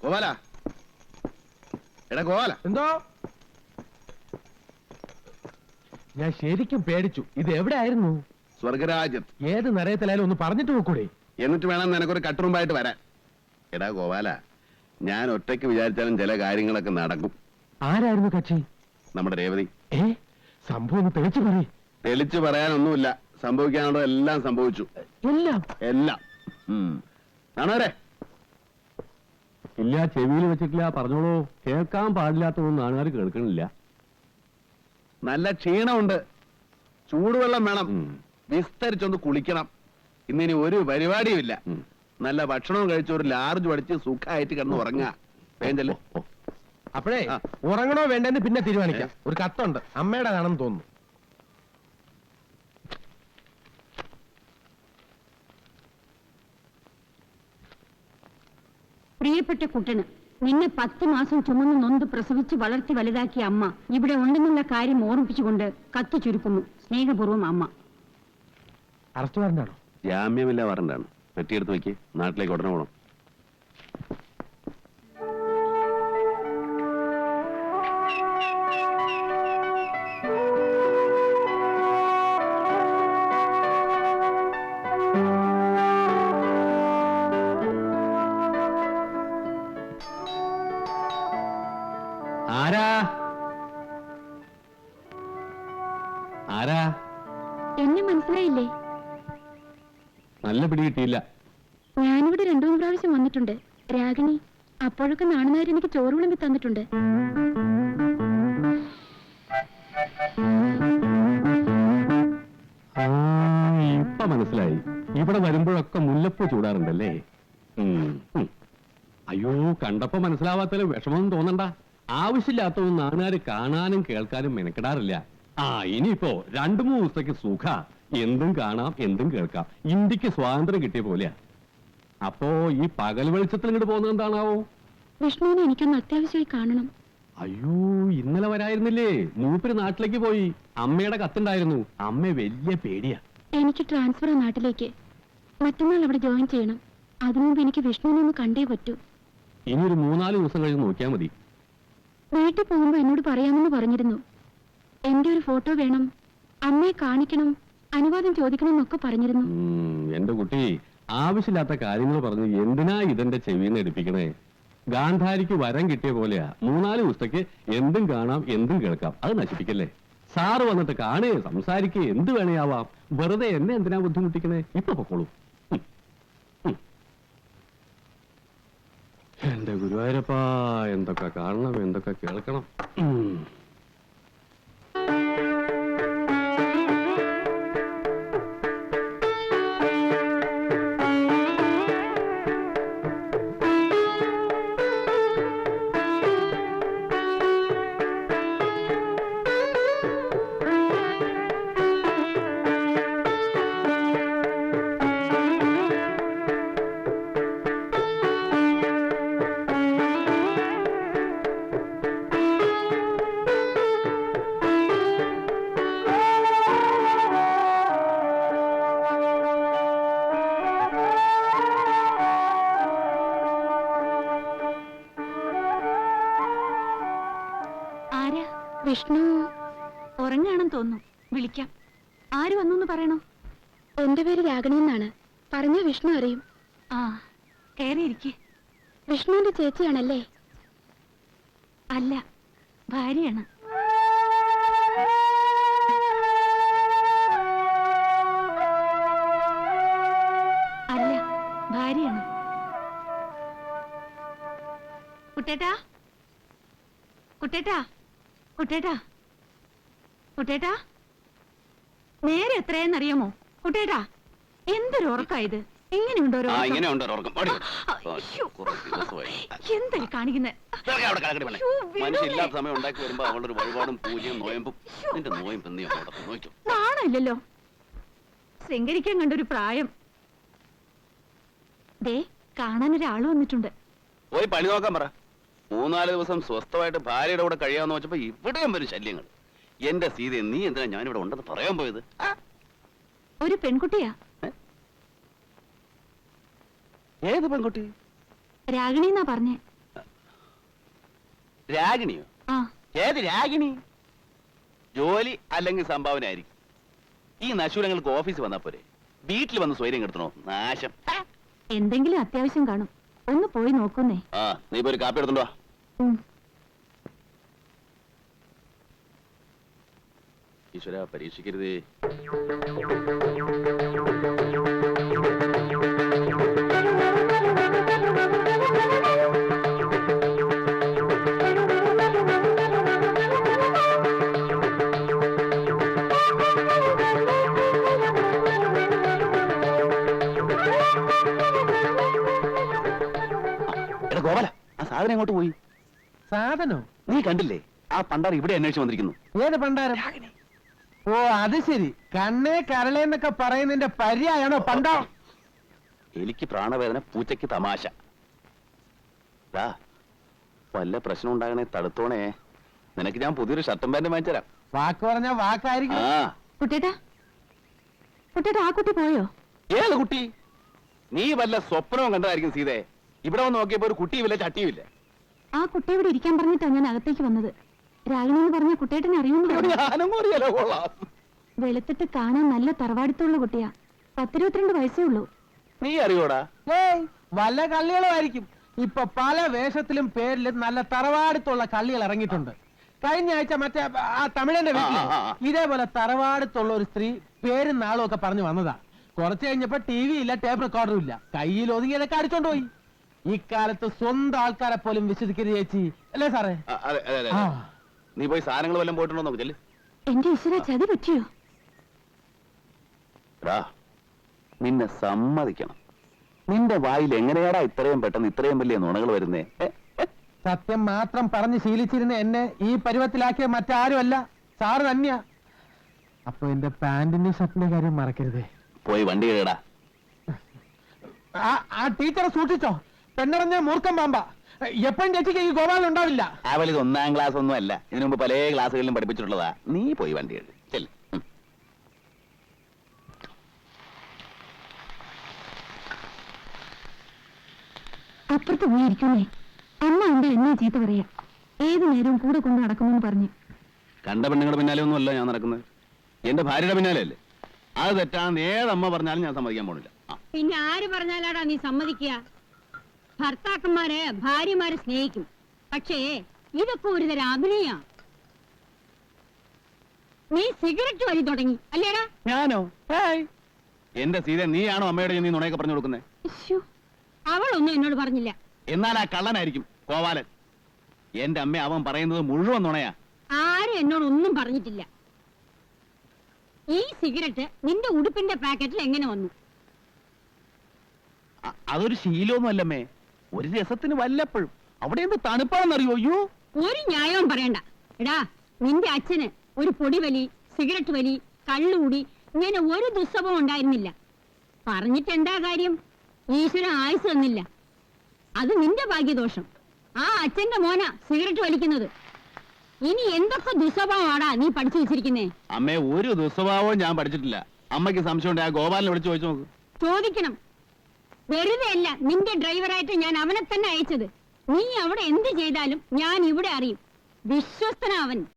ഗോപാല, എടാ ഗോപാല. എന്തോ? ഞാൻ ശരിക്കും പേടിച്ചു. ഇത് എവിടെ ആയിരുന്നു? സ്വർഗരാജ്യത്ത്. ഏത് നരയത്തിലായാലും ഒന്ന് പറഞ്ഞിട്ട് നോക്കൂടെ? എന്നിട്ട് വേണം നിനക്കൊരു കട്ടുറുമ്പായിട്ട് വരാൻ. എടാ ഗോപാല, ഞാൻ ഒറ്റയ്ക്ക് വിചാരിച്ചാലും ചില കാര്യങ്ങളൊക്കെ നടക്കും. ആരായിരുന്നു കക്ഷി? നമ്മുടെ രേവതി. സംഭവം ഒന്ന് തെളിച്ചു പറയും. തെളിച്ചു പറയാനൊന്നുമില്ല. സംഭവിക്കാനുള്ളത് എല്ലാം സംഭവിച്ചു. എല്ലാം എല്ലാം. ആണോരെ? ഇല്ല, ചെവിയിൽ വെച്ചിട്ടില്ല. പറഞ്ഞോളൂ. കേൾക്കാൻ പാടില്ലാത്തതൊന്നും ആൾക്കാർ കേൾക്കണില്ല. നല്ല ക്ഷീണമുണ്ട്. ചൂടുവെള്ളം വേണം. വിസ്തരിച്ചൊന്ന് കുളിക്കണം. ഇന്നിനി ഒരു പരിപാടിയും ഇല്ല. നല്ല ഭക്ഷണവും കഴിച്ച് ഒരു ലാർജ് പഠിച്ച് സുഖമായിട്ട് കിടന്ന് ഉറങ്ങാ. വേണ്ടല്ലേ? അപ്പോഴേ ഉറങ്ങണോ വേണ്ടെന്ന് പിന്നെ തീരുമാനിക്കാം. ഒരു കത്തുണ്ട്, അമ്മയുടെ കാണും തോന്നുന്നു. പ്രിയപ്പെട്ട കുട്ടന്, നിന്നെ 10 മാസം ചുമന്ന് നൊന്ത് പ്രസവിച്ച് വളർത്തി വലുതാക്കിയ അമ്മ ഇവിടെ ഉണ്ടെന്നുള്ള കാര്യം ഓർമ്മിപ്പിച്ചുകൊണ്ട് കത്ത് ചുരുക്കുന്നു. സ്നേഹപൂർവ്വം അമ്മ. അറസ്റ്റ് വാറന്റാണോ? ജാമ്യമില്ല വാറന്റാണ്. പെട്ടിയെടുത്ത് വെക്ക്. നാട്ടിലേക്ക് ഉടനെ പോകണം. ആരാ ആരാ? എന്നെ മനസ്സിലായില്ലേ? നല്ല പിടി കിട്ടിയില്ല. ഞാനിവിടെ 2-3 പ്രാവശ്യം വന്നിട്ടുണ്ട്. രാഗിണി, അപ്പോഴൊക്കെ നാണുന്നവർ എനിക്ക് ചോറ് വിളമ്പി തന്നിട്ടുണ്ട്. ഇപ്പൊ മനസ്സിലായി. ഇവിടെ വരുമ്പോഴൊക്കെ മുല്ലപ്പൂ ചൂടാറുണ്ടല്ലേ? അയ്യോ, കണ്ടപ്പോ മനസ്സിലാവാത്തതിൽ വിഷമമൊന്നും തോന്നണ്ട. ആവശ്യമില്ലാത്തതൊന്നും നാട്ടുകാര് കാണാനും കേൾക്കാനും മെനക്കെടാറില്ല. ഇനിയിപ്പോ 2-3 ദിവസത്തേക്ക് സുഖ. എന്തും കാണാം, എന്തും കേൾക്കാം. ഇന്ത്യക്ക് സ്വാതന്ത്ര്യം കിട്ടിയ പോലെയാ. അപ്പോ ഈ പകൽ വെളിച്ചത്തിൽ ഇങ്ങോട്ട് പോകുന്നത് എന്താണാവോ? വിഷ്ണുവിനെ എനിക്കൊന്ന് അത്യാവശ്യമായി കാണണം. അയ്യോ, ഇന്നലെ വരായിരുന്നില്ലേ? മൂപ്പര് നാട്ടിലേക്ക് പോയി. അമ്മയുടെ കത്തുണ്ടായിരുന്നു. അമ്മ വലിയ പേടിയാ. എനിക്ക് ട്രാൻസ്ഫർ നാട്ടിലേക്ക്. മറ്റന്നാൾ അവിടെ ജോയിൻ ചെയ്യണം. അതിനുമുമ്പ് എനിക്ക് വിഷ്ണുവിനെ ഒന്ന് കണ്ടേ പറ്റൂ. ഇനി ഒരു 3-4 ദിവസം കഴിഞ്ഞ് നോക്കിയാൽ മതി. വീട്ടിൽ പോകുമ്പോ എന്നോട് പറയാമെന്ന് പറഞ്ഞിരുന്നു. എന്റെ ഒരു ഫോട്ടോ വേണം, അമ്മയെ കാണിക്കണം, അനുവാദം ചോദിക്കണം എന്നൊക്കെ പറഞ്ഞിരുന്നു. എന്റെ കുട്ടി, ആവശ്യമില്ലാത്ത കാര്യങ്ങൾ പറഞ്ഞ് എന്തിനാ ഇതെന്റെ ചെവിന്ന് എടുപ്പിക്കണേ? ഗാന്ധാരിക്ക് വരം കിട്ടിയ പോലെയാ. 3-4 ദിവസത്തേക്ക് എന്തും കാണാം, എന്തും കേൾക്കാം. അത് നശിപ്പിക്കല്ലേ. സാറ് വന്നിട്ട് കാണുകയോ സംസാരിക്കുകയോ എന്ത് വേണേയാവാം. വെറുതെ എന്നെ എന്തിനാ ബുദ്ധിമുട്ടിക്കണേ? ഇപ്പൊ പൊക്കോളൂ. എന്റെ ഗുരുവായൂരപ്പാ, എന്തൊക്കെ കാണണം, എന്തൊക്കെ കേൾക്കണം. വിഷ്ണു ഉറങ്ങാണെന്ന് തോന്നുന്നു. വിളിക്കാം. ആര് വന്നു പറയണോ? എന്റെ പേര് രാഗിണി എന്നാണ്. പറഞ്ഞ വിഷ്ണു അറിയും. കയറിയിരിക്കെ. വിഷ്ണുവിന്റെ ചേച്ചിയാണല്ലേ? അല്ല, ഭാര്യയാണ്. അല്ല, ഭാര്യയാണ്. കുട്ടേട്ടാ, കുട്ടേട്ടാ, കുട്ടേട്ടാ, കുട്ടേട്ടാ, നേരെ എത്രയെന്നറിയാമോ? കുട്ടേട്ടാ, എന്തൊരു ഉറക്കായത്! ഇങ്ങനെയുണ്ടോ? എന്തൊരു കാണിക്കുന്നത്? നാണമില്ലല്ലോ. ശൃംഗരിക്കാൻ കണ്ടൊരു പ്രായം. ദേ, കാണാനൊരാള് വന്നിട്ടുണ്ട്. പോയി പണി നോക്കാൻ പറ. 3-4 ദിവസം സ്വസ്ഥമായിട്ട് ഭാര്യയുടെ കൂടെ കഴിയാന്ന് വെച്ചപ്പോ ഇവിടെയും വരും ശല്യങ്ങൾ. എന്റെ സീത, നീ എന്തിനാ ഞാനിവിടെ ഉണ്ടെന്ന് പറയാൻ പോയത്? ഒരു പെൺകുട്ടിയാ. ഏത് പെൺകുട്ടി? രാഗിണി എന്നാ പറഞ്ഞേ. രാഗിണിയോ? ആ ഏത് രാഗിണി? ജോലി അല്ലെങ്കിൽ സംഭാവന ആയിരിക്കും. ഈ നശൂലങ്ങൾക്ക് ഓഫീസ് വന്നാ പോരെ, വീട്ടിൽ വന്ന് സ്വൈര്യം കെടുത്തണോ? നാശം. എന്തെങ്കിലും അത്യാവശ്യം കാണും, ഒന്ന് പോയി നോക്കുന്നേ. ആ, നീ ഇപ്പൊ ഒരു കാപ്പി എടുത്തോണ്ടോ? ഈശ്വര, പരീക്ഷിക്കരുതേ. എടാ ഗോപാല, ആ സാധനം എങ്ങോട്ട് പോയി? സാധനോ? നീ കണ്ടില്ലേ? ആ പണ്ടാർ ഇവിടെ അന്വേഷിച്ച് വന്നിരിക്കുന്നു. ഏത് പണ്ടാരം? ഓ അത് ശരി, കണ്ണേ കരളേന്നൊക്കെ പറയുന്നതിന്റെ പര്യായാണോ പണ്ടാ? എനിക്ക് പ്രാണവേദന, പൂച്ചയ്ക്ക് തമാശ. ദാ, വല്ല പ്രശ്നം ഉണ്ടാകണേ തടുത്തോണേ. നിനക്ക് ഞാൻ പുതിയൊരു ഷർട്ടും പാന്റും വാങ്ങിച്ചുതരാം. വാക്ക് പറഞ്ഞ വാക്കായിരിക്കും. ആ, കുട്ടേട്ടാ, കുട്ടേട്ടാ, ആ കുട്ടി പോയോ? ഏത് കുട്ടി? നീ വല്ല സ്വപ്നവും കണ്ടതായിരിക്കും സീതേ. ഇവിടെ വന്ന് നോക്കിയപ്പോ ഒരു കുട്ടിയുമില്ല, ചട്ടിയുമില്ല. ആ കുട്ടി ഇവിടെ ഇരിക്കാൻ പറഞ്ഞിട്ടാ ഞാൻ അകത്തേക്ക് വന്നത്. രാഗിണി എന്ന് പറഞ്ഞ കുട്ടേട്ടനെ അറിയുന്നു. ഞാനും അറിയാലോ. കൊള്ളാം. വെളുത്തിട്ട് കാണാൻ നല്ല തറവാടിത്തുള്ള കുട്ടിയാ. 10-22 വയസ്സേ ഉള്ളൂ. നീ അറിയോടാ? ഏയ് വല്ല കള്ളികളും ആയിരിക്കും. ഇപ്പൊ പല വേഷത്തിലും പേരിലും നല്ല തറവാടുത്തുള്ള കള്ളികൾ ഇറങ്ങിയിട്ടുണ്ട്. കഴിഞ്ഞ ആഴ്ച മറ്റേ ആ തമിഴന്റെ വീട്ടില് ഇതേപോലെ തറവാടുത്തുള്ള ഒരു സ്ത്രീ പേരും നാളും ഒക്കെ പറഞ്ഞു വന്നതാ. കുറച്ച് കഴിഞ്ഞപ്പോ ടി വി ഇല്ല, ടേപ്പ് റെക്കോർഡറും ഇല്ല. കയ്യിൽ ഒതുങ്ങിയതൊക്കെ അടിച്ചോണ്ട് പോയി. ഇക്കാലത്ത് സ്വന്തം ആൾക്കാരെ പോലും വിശ്വസിക്കരുത് ചേച്ചി, അല്ലേ സാറേ? അതെ അതെ അതെ. ആ. നീ പോയി സാധനങ്ങൾ വല്ലതും പോയിട്ടുണ്ടോ നോക്ക്. ചെല്ല്. എന്റെ ഈശ്വര, ചതി പറ്റിയോ? എടാ, നിന്നെ സമ്മതിക്കണം. നിന്റെ വായിൽ എങ്ങനെയാടാ ഇത്രയും പെട്ടെന്ന് ഇത്രയും വലിയ നുണകൾ വരുന്നേ? സത്യം മാത്രം പറഞ്ഞ് ശീലിച്ചിരുന്ന എന്നെ ഈ പരുവത്തിലാക്കിയ മറ്റാരുമല്ല, സാറ് തന്നെയാ. അപ്പൊ എന്റെ പാന്റിന്റെ ഷർട്ടിന്റെ കാര്യം മറക്കരുതേ. പോയി വണ്ടി കയറാ. ആ ടീച്ചറെ സൂക്ഷിച്ചോ, പെണ്ണറിഞ്ഞ മൂർഖം പാമ്പ. എപ്പോഴും ചേച്ചിക്ക് ഈ ഗോപാലൻ ഉണ്ടാവില്ല. അവൾ ഇത് 1-ാം ക്ലാസ് ഒന്നും അല്ല, ഇതിനു മുമ്പ് പല ക്ലാസ്സുകളിലും പഠിപ്പിച്ചിട്ടുള്ളതാ. നീ പോയി വണ്ടി കയറി ചെല്ല്. അപ്പുറത്ത് പോയിരിക്കുന്നേ. അമ്മ ഉണ്ട് എന്നെ ചീത്ത പറയാ. ഏതു നേരവും കൂടെ കൊണ്ട് നടക്കുമെന്ന് പറഞ്ഞു. കണ്ട പെണ്ണുങ്ങളുടെ പിന്നാലെ ഒന്നും അല്ല ഞാൻ നടക്കുന്നത്, എന്റെ ഭാര്യയുടെ പിന്നാലെ അല്ലേ. അത് തെറ്റാന്ന് ഏതമ്മ പറഞ്ഞാലും ഞാൻ സമ്മതിക്കാൻ പോണില്ല. പിന്നെ ആര് പറഞ്ഞാലാടാ നീ സമ്മതിക്കുക? ഭർത്താക്കന്മാര് ഭാര്യമാരെ സ്നേഹിക്കും, പക്ഷേ ഇതൊക്കെ ഒരു തരം അഭിനയ. നീ സിഗരറ്റ് വലി തുടങ്ങി അല്ലേടാ? ഞാനോ? എന്റെ സീത, നീയാണോ അമ്മയുടെ നീ നുണയൊക്കെ പറഞ്ഞു കൊടുക്കുന്നത്? അവളൊന്നും എന്നോട് പറഞ്ഞില്ല. എന്നാൽ ആ കള്ളനായിരിക്കും കോവാലൻ. എന്റെ അമ്മ അവൻ പറയുന്നത് മുഴുവൻ നുണയാ. ആരും എന്നോട് ഒന്നും പറഞ്ഞിട്ടില്ല. ഈ സിഗരറ്റ് നിന്റെ ഉടുപ്പിന്റെ പാക്കറ്റിൽ എങ്ങനെ വന്നു? അതൊരു ശീലമൊന്നും അല്ലമ്മേ, ഒരു രസത്തിന് വല്ലപ്പോഴും. അവിടെ എന്ത് തണുപ്പാണെന്നറിയോ? അയ്യോ, ഒരു ന്യായവും പറയണ്ട. എടാ, നിന്റെ അച്ഛന് ഒരു പൊടിവലി, സിഗരറ്റ് വലി, കള്ളുകൂടി ഇങ്ങനെ ഒരു ദുസ്സവം ഉണ്ടായിരുന്നില്ല. പറഞ്ഞിട്ട് എന്താ കാര്യം? ഈശ്വരൻ ആയുസ് തന്നില്ല. അത് നിന്റെ ഭാഗ്യദോഷം. ആ അച്ഛന്റെ മോന സിഗരറ്റ് വലിക്കുന്നത്. ഇനി എന്തൊക്കെ ദുസ്വഭാവമാടാ നീ പഠിച്ചു വെച്ചിരിക്കുന്നേ? അമ്മേ, ഒരു ദുസ്വഭാവവും ഞാൻ പഠിച്ചിട്ടില്ല. അമ്മയ്ക്ക് സംശയമുണ്ട്, ആ ഗോപാലിനെ വിളിച്ചു ചോദിച്ചു നോക്ക്. ചോദിക്കണം. വെറുതെ അല്ല നിന്റെ ഡ്രൈവറായിട്ട് ഞാൻ അവനെ തന്നെ അയച്ചത്. നീ അവിടെ എന്ത് ചെയ്താലും ഞാൻ ഇവിടെ അറിയും. വിശ്വസ്തനാവൻ.